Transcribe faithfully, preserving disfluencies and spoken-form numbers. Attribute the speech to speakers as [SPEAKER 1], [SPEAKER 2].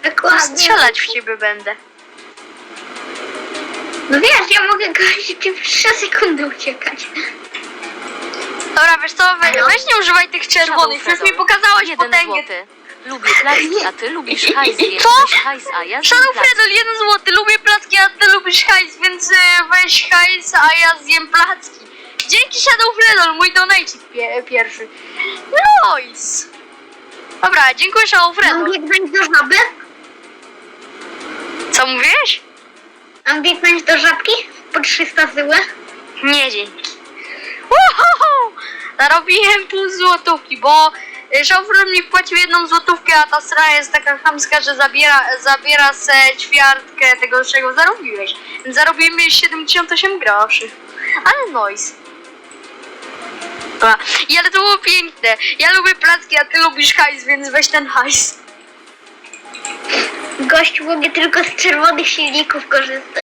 [SPEAKER 1] Dokładnie.
[SPEAKER 2] Strzelać w ciebie będę.
[SPEAKER 1] No wiesz, ja mogę gościu w trzy sekundy uciekać.
[SPEAKER 2] Dobra, wiesz co, we,
[SPEAKER 1] Halo?
[SPEAKER 2] weź nie używaj tych czerwonych, już mi pokazałeś
[SPEAKER 3] Jeden
[SPEAKER 2] potęgę.
[SPEAKER 3] złoty. Lubię placki, a ty lubisz hajs, więc
[SPEAKER 2] Co?
[SPEAKER 3] weź hajs, a ja zjem
[SPEAKER 2] Shadow
[SPEAKER 3] placki.
[SPEAKER 2] Fredol, jeden złoty, lubię placki, a ty lubisz hajs, więc y, weź hajs, a ja zjem placki. Dzięki Shadow Fredol, mój donate pie pierwszy. Nice. Dobra, dziękuję Shadow
[SPEAKER 1] Mam
[SPEAKER 2] Fredol.
[SPEAKER 1] biegnąć do żaby?
[SPEAKER 2] Co mówiłeś?
[SPEAKER 1] Mam biegnąć do żabki? Po trzysta zyły?
[SPEAKER 2] Nie, dzięki. Uhuhu! Zarobiłem pół złotówki, bo y, Shadow Fredol mi wpłacił jedną złotówkę, a ta strona jest taka chamska, że zabiera, zabiera se ćwiartkę tego, czego zarobiłeś. Więc zarobiłem siedemdziesiąt osiem groszy. Ale nice. Dobra. I ale to było piękne. Ja lubię placki, a ty lubisz hajs, więc weź ten hajs.
[SPEAKER 1] Gościu, mogę tylko z czerwonych silników korzystać.